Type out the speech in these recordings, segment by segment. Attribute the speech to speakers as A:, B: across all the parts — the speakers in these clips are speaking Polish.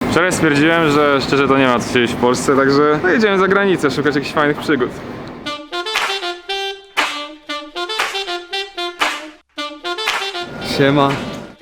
A: Wczoraj stwierdziłem, że szczerze to nie ma co siedzieć w Polsce, także jedziemy za granicę, szukać jakichś fajnych przygód.
B: Siema.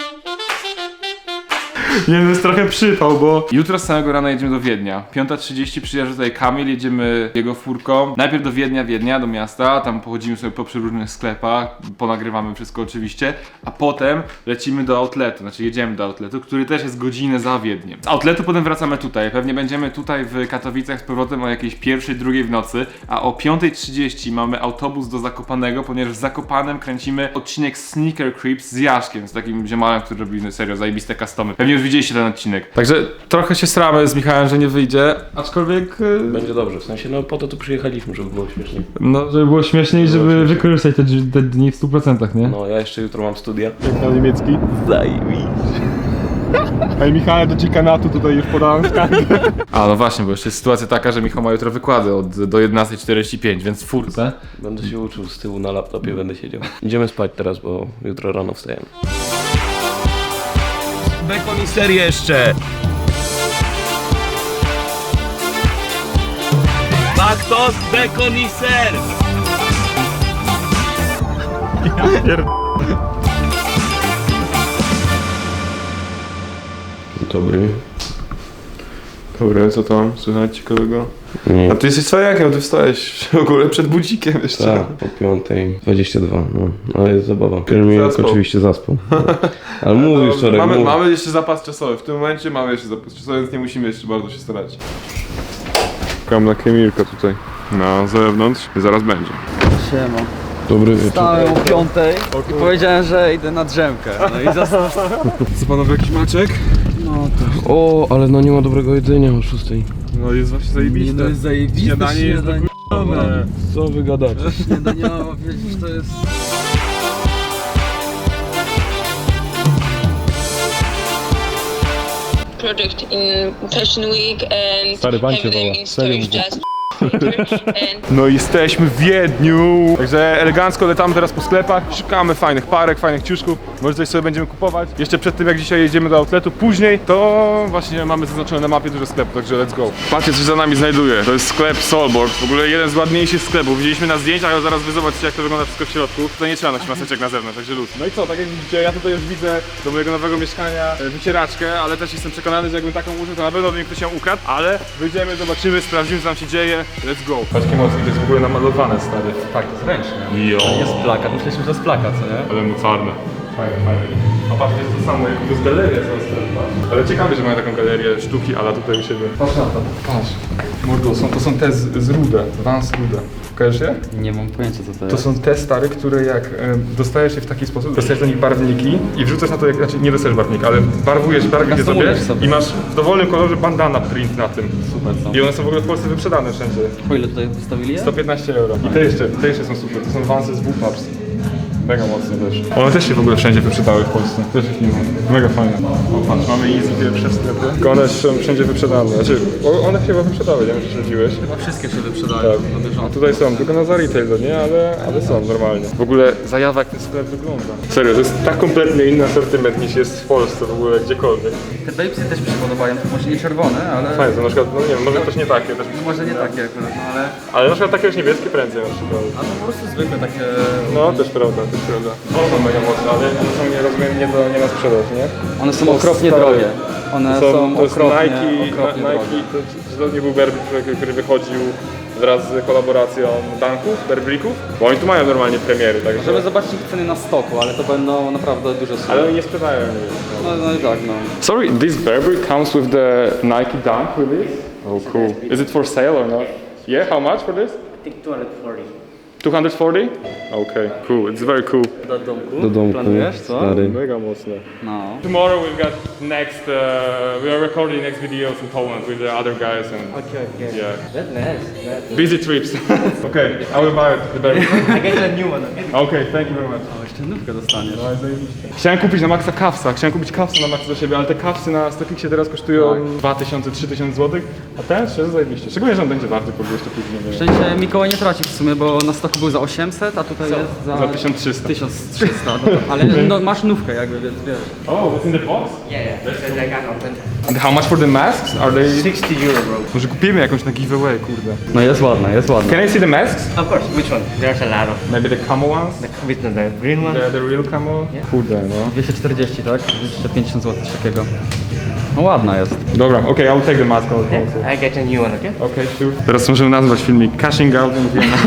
A: Nie, to jest trochę przypał, bo jutro z samego rana jedziemy do Wiednia. 5:30 przyjeżdża tutaj Kamil, jedziemy jego furką. Najpierw do Wiednia, do miasta, tam pochodzimy sobie po różnych sklepach, ponagrywamy wszystko oczywiście, a potem lecimy do outletu, znaczy jedziemy do outletu, który też jest godzinę za Wiedniem. Z outletu potem wracamy tutaj, pewnie będziemy tutaj w Katowicach z powrotem o jakiejś 1:00, 2:00 w nocy, a o 5:30 mamy autobus do Zakopanego, ponieważ w Zakopanem kręcimy odcinek Sneaker Creeps z Jaszkiem, z takim ziomalem, który robi serio zajebiste customy. Pewnie już widzieliście ten odcinek. Także trochę się sramy z Michałem, że nie wyjdzie, aczkolwiek...
C: Będzie dobrze, w sensie no po to tu przyjechaliśmy, żeby było śmieszniej.
A: No, żeby było śmieszniej, żeby wykorzystać te dni w 100%, nie?
C: No ja jeszcze jutro mam studia.
A: Na niemiecki.
C: Zajebiście.
A: Ej, Michał, do dziekanatu tutaj już podałem skargę. A no właśnie, bo jeszcze jest sytuacja taka, że Michał ma jutro wykłady do 11:45, więc w furce.
C: Będę się uczył z tyłu na laptopie, będę siedział. Idziemy spać teraz, bo jutro rano wstajemy. Bekon i ser jeszcze! Baktos, bekon i ser! Dobry.
A: Dobra, co tam? Słychać ciekawego?
C: Nie.
A: A ty jesteś cwajakiem, ty wstałeś w ogóle przed budzikiem jeszcze.
C: Tak, po 5:22, no. Ale jest zabawa. Piermieniek
A: Zaspał.
C: oczywiście zaspał. Ale mówisz wczoraj,
A: mamy jeszcze zapas czasowy, w tym momencie mamy jeszcze zapas czasowy, więc nie musimy jeszcze bardzo się starać. Czekam na Kamilka tutaj, na zewnątrz i zaraz będzie.
B: Siema.
C: Dobry wieczór.
B: Wstałem o 5:00 i powiedziałem, że idę na drzemkę. No i zostałem.
A: Co panowie, jakiś maczek?
B: No to
C: O, ale no nie ma dobrego jedzenia o 6.
A: No jest właśnie zajebiste.
B: no jest zajebiste
A: Śniadanie jest
B: śniadanie.
C: Co wy gadacie?
B: Śniadaniowo, wiesz, to jest...
D: project in Fashion Week and
A: Stary pan cię
D: have them
A: woła.
D: in
A: Serio
D: storage
A: mówię.
D: just and
A: No jesteśmy w Wiedniu! Także elegancko lecamy teraz po sklepach, szukamy fajnych parek, fajnych ciuszków, może coś sobie będziemy kupować. Jeszcze przed tym jak dzisiaj jedziemy do outletu, później to właśnie mamy zaznaczone na mapie dużo sklepów, także let's go. Patrzcie co się za nami znajduje, to jest sklep Solborg, w ogóle jeden z ładniejszych sklepów. Widzieliśmy na zdjęciach, ale zaraz wy zobaczycie jak to wygląda wszystko w środku. Tutaj nie trzeba nosić maseczek na zewnątrz, także luz. No i co, tak jak widzicie, ja tutaj już widzę do mojego nowego mieszkania wycieraczkę, ale też jestem przekonany, że jakbym taką użył, to na pewno by mi ktoś ją ukradł, ale wyjdziemy, zobaczymy, sprawdzimy co tam się dzieje, let's go. Patrzcie mocno, to jest w ogóle namalowane, stary.
B: Tak, to jest ręczne.
A: Jo.
B: Jest plakat, myśleliśmy, że to jest plakat, co nie?
A: Ale mocarne. Fajne, fajne. A patrz, to jest to samo, jak to jest galeria cała. Ale ciekawe, że mają taką galerię sztuki, ale tutaj u siebie. Patrz na to. Patrz. Mordo, to są te z Rude, Vans Rude. Kojarzysz je?
B: Nie mam pojęcia, co to jest.
A: To są te stary, które jak dostajesz je w taki sposób, dostajesz do nich barwniki i wrzucasz na to, znaczy nie dostajesz barwnika, ale barwujesz sobie
B: sobie.
A: i masz w dowolnym kolorze bandana print na tym.
B: Super, co?
A: I one są w ogóle w Polsce wyprzedane wszędzie.
B: Po ile tutaj wystawili je?
A: 115 euro. I te jeszcze są super, to są Vansy z Bullpups. Mega mocne też. One też się w ogóle wszędzie wyprzedały w Polsce. Też ich nie ma. Mega fajne. O, patrz, mamy Easy pierwsze sklepy. Tylko one są wszędzie wyprzedane. Znaczy, one chyba wyprzedały, nie wiem, czy śledziłeś.
B: Chyba wszystkie się wyprzedają.
A: Tak. A tutaj są, tylko na za retail, no nie? Ale są normalnie. W ogóle zajawa jak ten sklep wygląda. Serio, to jest tak kompletnie inny asortyment niż jest w Polsce w ogóle gdziekolwiek.
B: Te babesy też mi się podobają, to może nie czerwone, ale...
A: Fajne, to na przykład, no nie wiem, może też nie takie. Też
B: Może nie takie akurat, no ale...
A: ale na przykład takie już niebieskie prędzej na przykład.
B: A to po prostu zwykłe takie...
A: No, też prawda, też prawda. To są mega mocne, ale one są, nie rozumiem, nie na sprzedaż, nie?
B: One są okropnie
A: stare.
B: drogie. One są
A: to jest
B: okropnie,
A: Nike,
B: okropnie drogie.
A: to nie był Burberry, który wychodził wraz z kolaboracją Dunków, Burberry'ków, bo oni tu mają normalnie premiery, także...
B: Żeby zobaczyć ich ceny na stoku, ale to będą naprawdę duże sumy.
A: Ale oni nie sprzedają je.
B: No i tak, no.
A: Sorry, this Burberry comes with the Nike Dunk with this? Oh cool. Is it for sale or not? Yeah, how much for this?
E: I think 240.
A: 240? Okay, cool, it's very cool.
B: Do domku?
C: Do domku,
B: Planujesz, co?
C: stary.
A: Mega mocne.
B: No.
A: Tomorrow we've got next, we are recording next videos in Poland with the other guys and
E: Okay.
A: yeah.
E: That's nice.
A: Busy trips. Okay, I will buy it, the Burberry.
E: I get a new one. Okay.
A: Okay, thank you very much.
B: O, jeszcze nówkę dostaniesz.
A: Chciałem kupić na Maxa kawsa, chciałem kupić kawsa na Maxa do siebie, ale te kawsy na StockXie teraz kosztują 2000-3000 zł, a ten szczerze zajebiście. Szczególnie, że on będzie warty po 200 później.
B: Szczęście Mikołaj nie traci w sumie, bo na stoku początku był za 800, a tutaj jest
A: Za 1300.
B: 1300, ale no, masz nówkę jakby, więc wiesz.
A: Oh, what's in the box?
E: Yeah. Because I got open.
A: And how much for the masks? Are they...
E: 60 euro, bro.
A: Może kupimy jakąś na giveaway, kurde.
B: No jest ładna, jest ładna.
A: Can I see the masks?
E: Of course. Which one? There's a lot of.
A: Maybe the camo ones?
E: With the green one.
A: The real camo? Kurde, no.
B: 240, tak? 250 zł, coś takiego. No ładna jest.
A: Dobra, okay, I'll take the mask also.
E: Yeah. I get a new one, okay?
A: Okay, sure. Teraz możemy nazwać filmik Cashing Out and Vienna.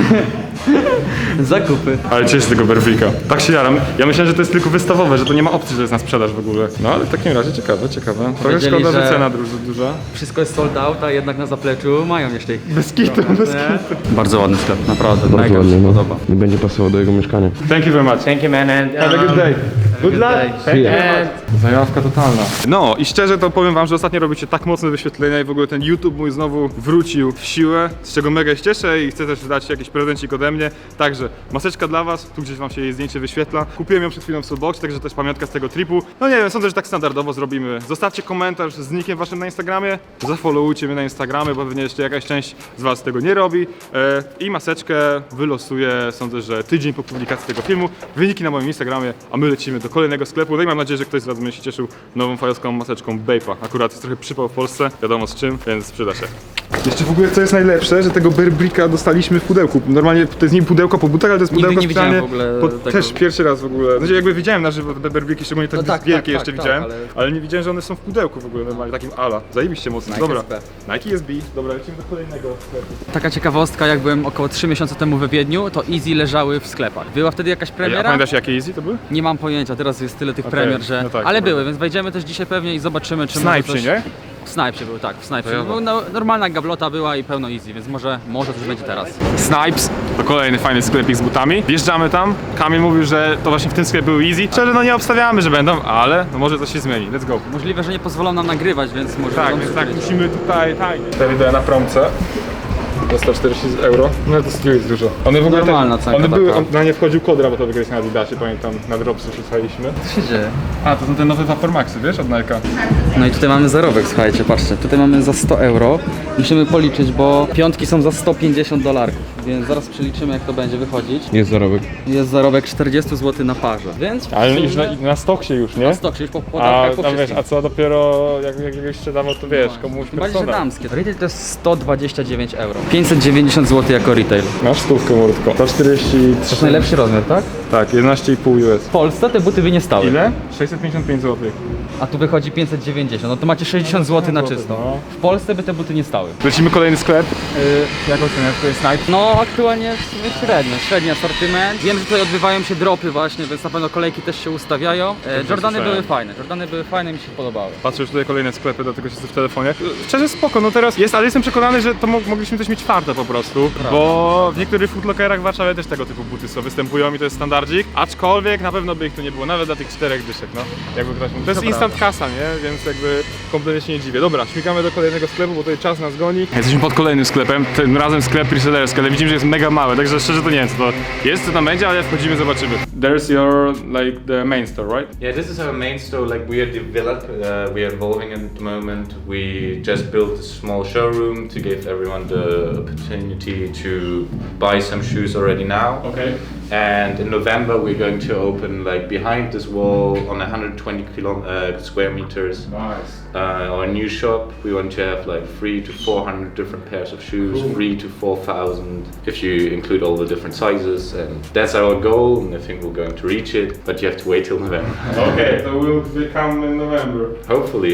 B: Zakupy.
A: Ale cieszę się tego Berwika. Tak się jaram. Ja myślałem, że to jest tylko wystawowe, że to nie ma opcji, że jest na sprzedaż w ogóle. No ale w takim razie ciekawe. Trochę
B: Powiedzieli,
A: szkoda, że
B: że-
A: cena duża.
B: Wszystko jest sold out, a jednak na zapleczu mają jeszcze ich.
A: Bez kitu, bez kitu.
B: Bardzo ładny sklep, naprawdę.
C: Bardzo
B: mega mi
C: ładnie,
B: się
C: no.
B: podoba.
C: Nie będzie pasował do jego mieszkania.
A: Thank you very much.
E: Thank you, man. And
A: Have a good day. Good luck.
B: Thank
A: you very much. Zajawka totalna. No i szczerze to powiem wam, że ostatnio robicie tak mocne wyświetlenia i w ogóle ten YouTube mój znowu wrócił w siłę, z czego mega się cieszę i chcę też dać jakiś prezencik ode mnie. Także maseczka dla was, tu gdzieś wam się jej zdjęcie wyświetla. Kupiłem ją przed chwilą w Soulboxie, także też pamiątka z tego tripu. No nie wiem, sądzę, że tak standardowo zrobimy. Zostawcie komentarz z nickiem waszym na Instagramie, zafollowujcie mnie na Instagramie, bo pewnie jeszcze jakaś część z was tego nie robi. I maseczkę wylosuję, sądzę, że tydzień po publikacji tego filmu. Wyniki na moim Instagramie, a my lecimy do kolejnego sklepu. No i mam nadzieję, że ktoś z was będzie się cieszył nową fajowską maseczką Bape'a. Akurat jest trochę przypał w Polsce, wiadomo z czym, więc przyda się. Jeszcze w ogóle co jest najlepsze, że tego Berbricka dostaliśmy w pudełku. Normalnie to jest nie pudełko po butach, ale to jest
B: Nigdy
A: pudełko
B: nie widziałem
A: specjalnie
B: w ogóle
A: pod,
B: tego.
A: też pierwszy raz w ogóle. Znaczy jakby widziałem na żywo te Berbricki, szczególnie te
B: No tak,
A: wielkie
B: tak,
A: jeszcze
B: tak,
A: widziałem,
B: ale-
A: ale nie widziałem, że one są w pudełku w ogóle normalnie, takim ala. Zajebiście mocno.
B: Nike
A: Dobra.
B: SB.
A: Nike SB. Dobra, lecimy do kolejnego sklepu.
B: Taka ciekawostka, jak byłem około 3 miesiące temu we Wiedniu, to Easy leżały w sklepach. Była wtedy jakaś
A: A
B: premiera?
A: pamiętasz jakie Easy to były?
B: Nie mam pojęcia, teraz jest tyle tych
A: Okej,
B: premier, że...
A: no tak,
B: ale
A: dobra.
B: były, więc wejdziemy też dzisiaj pewnie i zobaczymy, czy
A: Snipesy,
B: może coś...
A: nie?
B: W Snipsie był, tak, w Snipsie.
A: Fajowo.
B: Był, no, normalna gablota była i pełno Easy, więc może coś będzie teraz.
A: Snipes, to kolejny fajny sklepik z butami. Wjeżdżamy tam, Kamil mówił, że to właśnie w tym sklepie był Easy. Szczerze, no nie obstawiamy, że będą, ale no może coś się zmieni. Let's go.
B: Możliwe, że nie pozwolą nam nagrywać, więc może...
A: Tak,
B: będą
A: więc tak,
B: przyjść.
A: musimy tutaj tajnie. Te wideo na promce. Za 140 euro. No to jest dużo. One w ogóle
B: Normalna cenka
A: one były,
B: taka.
A: na nie wchodził kod rabatowy kiedyś na Adidasie, pamiętam, na Dropsy rzucaliśmy.
B: Co się dzieje?
A: A, to są te nowe Vapor Maxy, wiesz, od Nike'a.
B: No i tutaj mamy zarobek, słuchajcie, patrzcie, tutaj mamy za 100 euro. Musimy policzyć, bo piątki są za 150 dolarków, więc zaraz przeliczymy, jak to będzie wychodzić.
C: Jest zarobek.
B: Jest zarobek 40 zł na parze, więc...
A: Ale już na stoksie już, nie?
B: Na stoksie, już po
A: A,
B: podatkach, po
A: tam wiesz,
B: wszystkim.
A: a co dopiero jak już sprzedawał, to wiesz, komuś
B: Tym bardziej, że
A: persona.
B: damskie. Retail to jest 129 euro. 590 zł jako retail.
A: Masz stówkę, mordko. 143.
B: To jest najlepszy rozmiar, tak?
A: Tak, 11,5 US.
B: W Polsce te buty by nie stały.
A: Ile? 655 zł.
B: A tu wychodzi 590, no to macie 60 zł na czysto.
A: no.
B: W Polsce by te buty nie stały.
A: Lecimy kolejny sklep. Jak oceniasz, to jest Nike?
B: No aktualnie w sumie średni asortyment. Wiem, że tutaj odbywają się dropy właśnie, więc na pewno kolejki też się ustawiają. Jordany były fajne, mi się podobały.
A: Patrzę już tutaj kolejne sklepy, dlatego siedzę w telefonie. Szczerze spoko, no teraz jest, ale jestem przekonany, że to mogliśmy też mieć czwarte po prostu. Bo w niektórych footlockerach w Warszawie też tego typu buty są, występują i to jest standardzik. Aczkolwiek na pewno by ich tu nie było, nawet dla tych 4 dyszek, no. Jakby ktoś mógł. To jest instant kasa, nie? Więc jakby kompletnie się nie dziwię. Dobra, śmigamy do kolejnego sklepu, bo tutaj czas nas goni. Jesteśmy pod kolejnym sklepem, tym razem sklep resellerski, ale widzimy, że jest mega mały, także szczerze to nie wiem co to jest, co tam będzie, ale wchodzimy, zobaczymy. There's your, like, the main store, right?
F: Yeah, this is our main store. Like we are we are evolving at the moment. We just built a small showroom to give everyone the opportunity to buy some shoes already now.
A: Okay.
F: And in November we're going to open like behind this wall on 120 square meters.
A: Nice.
F: Our new shop. We want to have like 300 to 400 different pairs of shoes, 3,000 to 4,000 if you include all the different sizes. And that's our goal, and I think we're going to reach it. But you have to wait till November.
A: Okay, so we'll come in November.
F: Hopefully.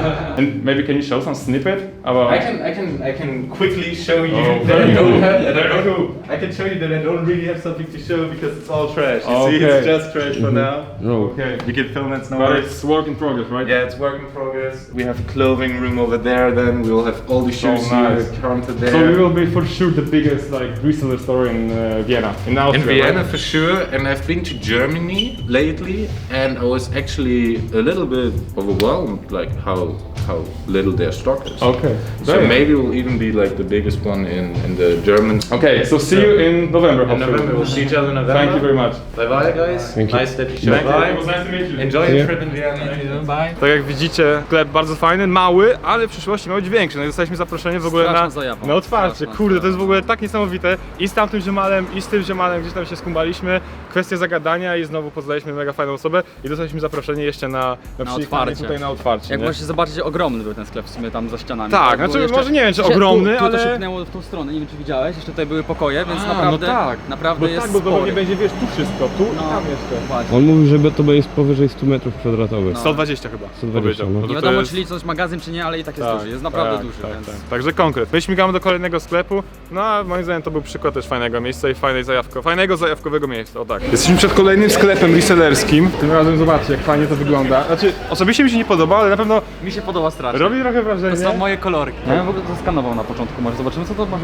A: And maybe can you show some snippet about?
F: I can quickly show you
A: Oh,
F: that
A: very
F: I don't
A: cool.
F: have. That I
A: Very
F: don't.
A: cool.
F: I can show you that I don't really have something to show because it's all trash. You see,
A: Okay.
F: it's just trash for now.
C: No.
A: Okay.
F: You can film it, no
A: But
F: worries.
A: it's work in progress, right?
F: Yeah, it's work in progress. We have a clothing room over there. Then we will have all the shoes
A: nice.
F: counted there.
A: So we will be for sure the biggest like reseller store in Vienna, in Austria.
F: In Vienna
A: right?
F: for sure, and I've been to Germany lately, and I was actually a little bit overwhelmed, like how little their stock is.
A: Okay.
F: So
A: Damn.
F: maybe we'll even be like the biggest one in the German.
A: Okay, so see you in November.
F: In
A: hopefully.
F: November we'll see each other
E: November.
A: Thank you very much.
E: Bye bye, guys.
C: Thank you.
E: Nice that you showed
A: Thank you.
E: by.
A: It was nice to meet you.
E: Enjoy your trip in Vienna. Bye.
A: Tak jak widzicie, sklep bardzo fajny, mały, ale w przyszłości ma być większy. No i dostaliśmy zaproszenie w ogóle
B: Straszną
A: na,
B: zajawą.
A: na otwarcie.
B: Straszną
A: Kurde, to jest w
B: zajawą.
A: ogóle tak niesamowite. I z tamtym ziomalem, i z tym ziomalem gdzieś tam się skumbaliśmy. Kwestia zagadania i znowu poznaliśmy mega fajną osobę i dostaliśmy zaproszenie jeszcze na przyjechanie
B: otwarcie.
A: tutaj na otwarcie.
B: Jak
A: nie?
B: możecie zobaczyć, ogromny był ten sklep w sumie tam za ścianami.
A: Tak,
B: było
A: znaczy, może nie wiem, czy ogromny,
B: tu
A: ale-
B: to się pchnęło w tą stronę, nie wiem czy widziałeś, jeszcze tutaj były pokoje, więc
A: A,
B: naprawdę,
A: no tak.
B: naprawdę
A: Bo
B: jest
A: tak, bo to
B: spory.
A: pewnie będzie, wiesz, tu wszystko, tu i
B: No,
A: tam jeszcze.
B: dokładnie.
C: On mówił, że to jest powyżej 100 metrów kwadratowych.
A: 120 chyba.
C: 120,
A: powiedział.
C: no.
A: to
B: Nie
A: to
B: wiadomo
A: jest-
B: czy licząc magazyn czy nie, ale i tak jest duży, jest naprawdę
A: tak,
B: duży,
A: tak,
B: więc...
A: tak. Także konkret. My śmigamy do kolejnego sklepu, no a moim zdaniem to był przykład też fajnego miejsca i fajnego zajawkowego miejsca, o tak. Jesteśmy przed kolejnym sklepem resellerskim. Tym razem zobaczcie, jak fajnie to wygląda. Znaczy, osobiście mi się nie podoba, ale na pewno
B: Mi się podoba strasznie.
A: robi trochę wrażenie.
B: To są moje kolorki. Ja bym w ogóle to skanował na początku, może zobaczymy co to może...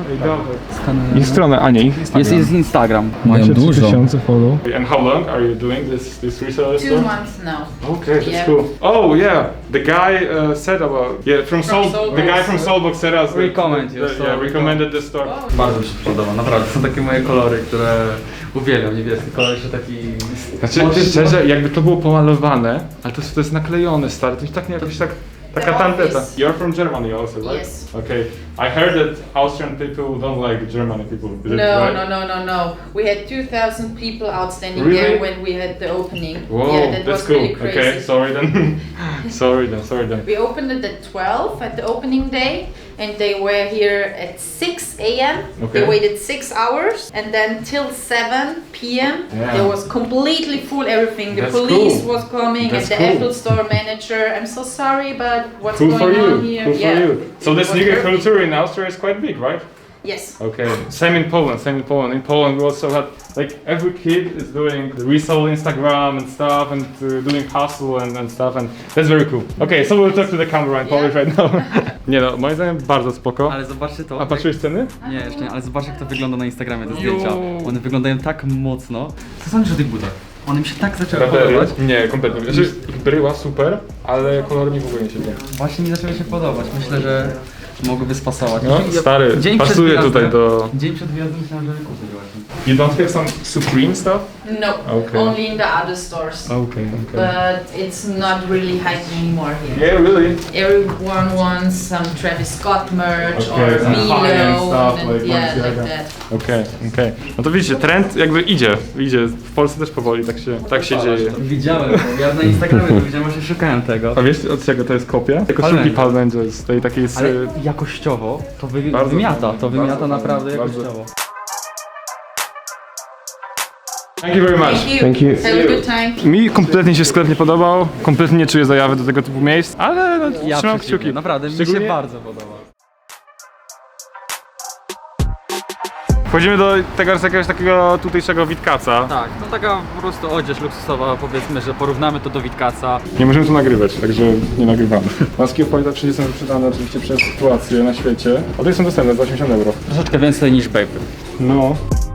A: I stronę, a nie, ich Instagram.
B: Jest Instagram. Mają dużo.
A: follow. And how long are you doing this reseller
G: 2
A: store?
G: months now.
A: Okay, that's
G: Yeah.
A: cool. Oh yeah, the guy said about from Soul.
G: Soulbox.
A: The guy from Soulbox said us. that-
B: Recommend you,
A: that-
B: so-
A: Yeah, recommended this store.
B: Bardzo mi się podoba, naprawdę. Są takie moje kolory, które uwielbiam. Niebieski kolor jeszcze taki...
A: Znaczy, szczerze, jakby to było pomalowane, ale to jest naklejone, stary, to jest tak jakoś tak, taka
G: The
A: tandeta.
G: office.
A: You're from Germany also, right?
G: Yes.
A: Okay. I heard that Austrian people don't like German people. Is it
G: No,
A: right?
G: no. We had 2,000 people outstanding
A: Really?
G: there when we had the opening.
A: Whoa,
G: Yeah, that
A: that's
G: was
A: cool.
G: really crazy.
A: Okay, sorry then. sorry then.
G: We opened it at 12 at the opening day, and they were here at 6 a.m.
A: Okay.
G: They waited 6 hours, and then till 7 p.m.
A: Yeah.
G: There was completely full everything. The
A: That's
G: police
A: cool.
G: was coming,
A: That's
G: and the
A: cool.
G: Apple Store manager. I'm so sorry, but what's
A: Cool
G: going
A: for you.
G: on here?
A: Cool
G: yeah.
A: for you. So the
G: It was
A: sneaker
G: perfect.
A: culture in Austria is quite big, right?
G: Yes.
A: Okay. Same in Poland. In Poland we also had like every kid is doing the resell Instagram and stuff and doing hustle and stuff and that's very cool. Okay, so we'll talk to the camera in Polish right now. Nie no, moim zdaniem bardzo spoko.
B: Ale zobaczcie to.
A: A patrzyłeś ceny?
B: Nie, jeszcze nie, ale zobacz jak to wygląda na Instagramie, te
A: Jo.
B: zdjęcia. One wyglądają tak mocno. Co sądzisz o tych butach? One mi się tak zaczęły podobać.
A: Nie, kompletnie. Znaczy, ich bryła super, ale kolory mi w ogóle nie siedzą.
B: Właśnie mi zaczęły się podobać. Myślę, że mogłyby spasować.
A: No, stary,
B: Dzień przed
A: pasuje
B: wyjazdem-
A: tutaj do...
B: Dzień przed wyjazdem myślałem, że kupię właśnie.
A: You don't have some Supreme stuff?
G: No,
A: Okay.
G: only in the other stores.
A: Okay.
G: But it's not really hyping anymore here.
A: Yeah, really?
G: Everyone wants some Travis Scott merch
A: Okay,
G: or
A: some high-end
G: Milo,
A: stuff
G: and
A: like
G: yeah, like
A: Balenciaga.
G: that.
A: Okej. No to widzicie, trend jakby idzie. W Polsce też powoli tak się dzieje.
B: Widziałem to, ja na Instagramie to widziałem, właśnie szukałem tego.
A: A wiesz od czego to jest kopia? Koszulki Palmędze z tej takiej...
B: Ale jakościowo to
A: Bardzo
B: wymiata,
A: fajne,
B: to wymiata
A: bardzo
B: naprawdę
A: fajne, bardzo.
B: jakościowo.
A: Thank you very much.
G: Thank you.
C: Thank you.
G: Have a good time.
A: Mi kompletnie się sklep nie podobał, kompletnie nie czuję zajawy do tego typu miejsc, ale no,
B: Ja
A: trzymam
B: przeciwnie,
A: kciuki.
B: naprawdę, mi
A: Szczególnie-
B: się bardzo podoba.
A: Wchodzimy do tego jakiegoś takiego tutejszego Witkaca.
B: Tak, to taka po prostu odzież luksusowa, powiedzmy, że porównamy to do Witkaca.
A: Nie możemy tu nagrywać, także nie nagrywamy. Maski of Polita wszędzie są wyprzedane oczywiście przez sytuację na świecie. A tutaj są dostępne za 80 euro.
B: Troszeczkę więcej niż Baby.
A: No.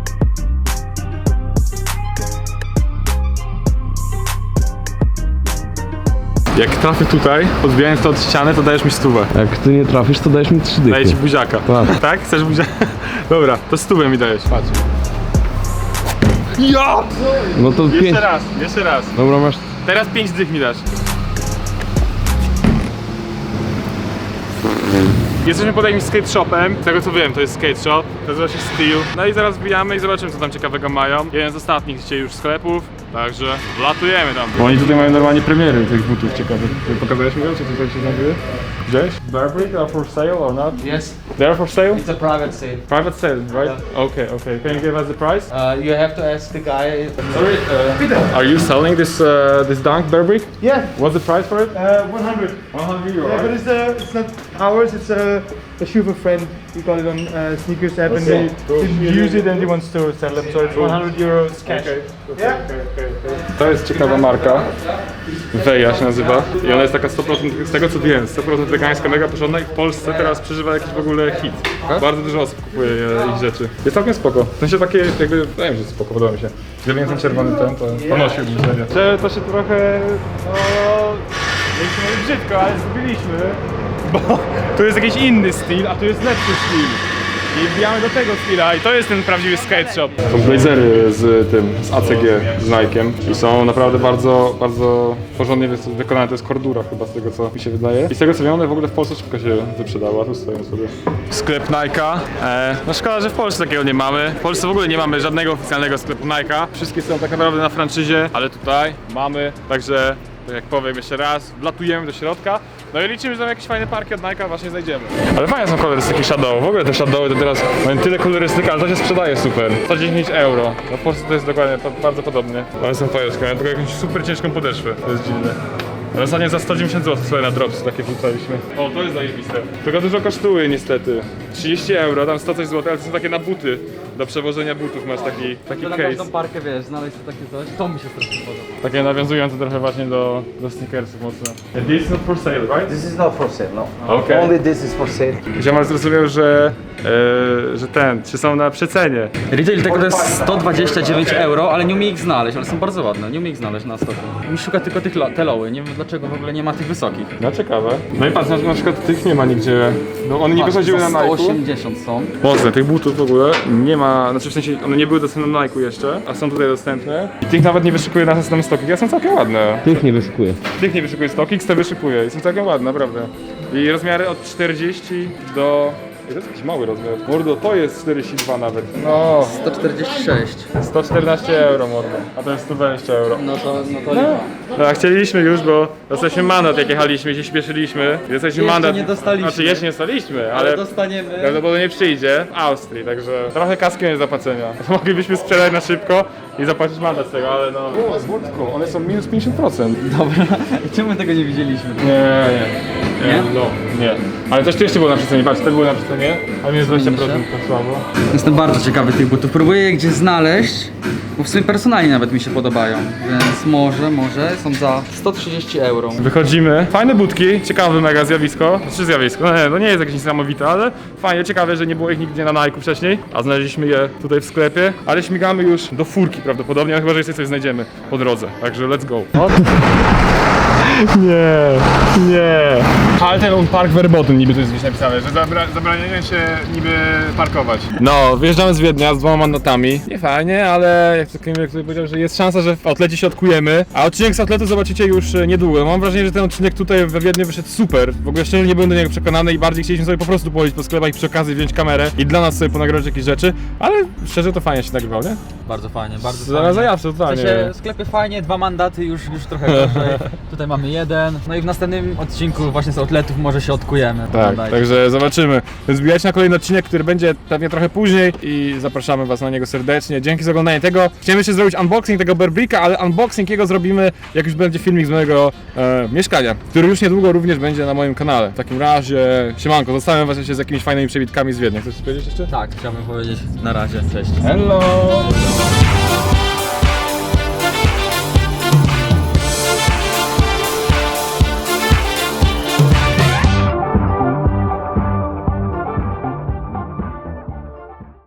A: Jak trafię tutaj, odbijając to od ściany, to dajesz mi 100.
C: Jak ty nie trafisz, to dajesz mi 3 dychy.
A: Daję ci buziaka.
C: Tak.
A: Tak? Chcesz buziaka? Dobra, to 100 mi dajesz, patrz. Ja!
C: No to 5.
A: Jeszcze raz.
C: Dobra, masz...
A: Teraz 5 dych mi dasz. Jesteśmy pod jakimś skate shopem, z tego co wiem to jest skate shop, nazywa się Steel. No i zaraz wbijamy i zobaczymy co tam ciekawego mają. Jeden z ostatnich dzisiaj już sklepów, także wlatujemy tam. Bo oni tutaj mają normalnie premiery tych butów ciekawych. Pokazałeś mi go, co tutaj się znajduje? Gdzieś? Burberry are for sale or not?
H: Yes,
A: They are for sale?
H: it's a private sale.
A: Private sale, right? Okay. Can you give us the price?
H: You have to ask the guy.
A: Sorry, are you selling this Dunk Burberry?
I: Yeah,
A: What's the price for it?
I: 100.
A: 100 euro.
I: Yeah, but it's not ours. It's a shoe of a friend. We got it on sneakers app, and they use it, and he wants to sell them. So it's 100 euros cash. Yeah.
A: To jest ciekawa marka. Weja się nazywa. I ona jest taka 100%, z tego co wiem, 100% wegańska, mega porządna i w Polsce teraz przeżywa jakiś w ogóle hit. Bardzo dużo osób kupuje ich rzeczy. Jest całkiem spoko. W sensie takie jakby, nie wiem, że spoko, podoba mi się. Gdyby nie ten czerwony ten, to ponosiłbym serio. To się trochę, no, nie chcę mówić brzydko, ale zgubiliśmy. Bo tu jest jakiś inny styl, a tu jest lepszy styl. i wbijamy do tego chwila i to jest ten prawdziwy skate shop. Są blazery z ACG, z Nike'em i są naprawdę bardzo, bardzo porządnie wykonane. To jest Cordura chyba, z tego co mi się wydaje. I z tego co wiem, one w ogóle w Polsce szybko się wyprzedały, a tu stoją sobie. Sklep Nike'a. No szkoda, że w Polsce takiego nie mamy. W Polsce w ogóle nie mamy żadnego oficjalnego sklepu Nike'a. Wszystkie są tak naprawdę na franczyzie, ale tutaj mamy, także tak jak powiem jeszcze raz, wlatujemy do środka. No i liczymy, że tam jakieś fajne parki od Nike'a właśnie znajdziemy. Ale fajne są kolorystyki Shadow. W ogóle te Shadowy to teraz mają tyle kolorystyk, ale to się sprzedaje super. 110 euro. No w Polsce to jest dokładnie bardzo podobnie. One są fajne, mają tylko jakąś super ciężką podeszwę. To jest dziwne. Ale ostatnio za 190 zł sobie na Drops takie wrzucaliśmy. O, to jest zajebiste. Tylko dużo kosztuje niestety. 30 euro, tam 100 coś zł, ale to są takie na buty. Do przewożenia butów masz taki
B: Na
A: case.
B: każdą parkę, wiesz, znaleźć takie coś, to mi się strasznie podoba.
A: Takie nawiązujące trochę właśnie do sneakersów mocno. And this is not for sale, right?
E: This is not for sale, no.
A: Okay.
E: Only this is for sale.
A: Ziomal zrozumiał, że czy są na przecenie.
B: Retail tego to jest 129 euro, ale nie umie ich znaleźć, ale są bardzo ładne, nie umie ich znaleźć na stoku. Mi szuka tylko tych te loły, nie wiem dlaczego w ogóle nie ma tych wysokich.
A: No ciekawe. No i patrz, na przykład tych nie ma nigdzie. No one nie wychodziły na
B: Za
A: Nike'u.
B: 180 są.
A: Mocne, tych butów w ogóle nie ma, znaczy w sensie one nie były dostępne na Nike'u jeszcze, a są tutaj dostępne. I tych nawet nie wyszykuje na następny stokik, ja są całkiem ładne.
C: Tych nie wyszukuje.
A: Tych nie wyszykuje stokik, te wyszykuje i są całkiem ładne, naprawdę. I rozmiary od 40 do... To jest jakiś mały rozmiar. Mordo, to jest 42 nawet. No,
B: 146.
A: 114 euro mordo, a to jest 120 euro.
B: No to
A: Tak, chcieliśmy już, bo dostaliśmy mandat jak jechaliśmy, się śpieszyliśmy. Dostaliśmy
B: Jeszcze
A: mandat.
B: nie dostaliśmy.
A: Znaczy jeszcze nie dostaliśmy,
B: ale
A: ale
B: dostaniemy.
A: prawdopodobnie przyjdzie w Austrii, także trochę kaskiem jest zapłacenia. Moglibyśmy sprzedać na szybko i zapłacić mandat z tego, ale no... O, z Włodką, one są minus 50%.
B: Dobra, i czemu my tego nie widzieliśmy?
A: Nie? No, nie. Ale coś tu jeszcze było na przecenie, patrz, to było na przecenie, a minus 20% to słabo.
B: Jestem bardzo ciekawy tych butów. Próbuję je gdzieś znaleźć, bo w sumie personalnie nawet mi się podobają. Więc może są za 130 euro.
A: Wychodzimy. Fajne budki, ciekawe mega zjawisko. Czy zjawisko? No nie, to nie jest jakieś niesamowite, ale fajnie, ciekawe, że nie było ich nigdzie na Nike'u wcześniej, a znaleźliśmy je tutaj w sklepie. Ale śmigamy już do furki prawdopodobnie, chyba że jeszcze coś znajdziemy po drodze. Także let's go. Nie. Halten Park Verboten niby tu jest gdzieś napisane, że zabraniają się niby parkować. No, wyjeżdżamy z Wiednia z 2 mandatami. Nie fajnie, ale jak to Kamil tutaj powiedział, że jest szansa, że w outlecie się odkujemy. A odcinek z outletu zobaczycie już niedługo. Mam wrażenie, że ten odcinek tutaj we Wiedniu wyszedł super. W ogóle szczerze nie byłem do niego przekonany i bardziej chcieliśmy sobie po prostu pochodzić po sklepach i przy okazji wziąć kamerę i dla nas sobie ponagrywać jakieś rzeczy, ale szczerze to fajnie się nagrywał, nie?
B: Bardzo fajnie, bardzo
A: Zaraz
B: fajnie.
A: zajawsze,
B: W
A: totalnie.
B: sensie, sklepy fajnie, 2 mandaty już trochę gorzej. Tutaj mamy 1. No i w następnym odcinku właśnie z outletów może się odkujemy.
A: Tak,
B: Pamiętajcie.
A: także zobaczymy. Zbijajcie na kolejny odcinek, który będzie pewnie trochę później i zapraszamy was na niego serdecznie. Dzięki za oglądanie tego. Chciałem jeszcze zrobić unboxing tego Bearbricka, ale unboxing jego zrobimy, jak już będzie filmik z mojego mieszkania, który już niedługo również będzie na moim kanale. W takim razie, siemanko, zostawiam was jeszcze z jakimiś fajnymi przebitkami z Wiednia. Chcesz coś powiedzieć jeszcze?
B: Tak, chciałbym powiedzieć na razie, cześć.
A: Hello!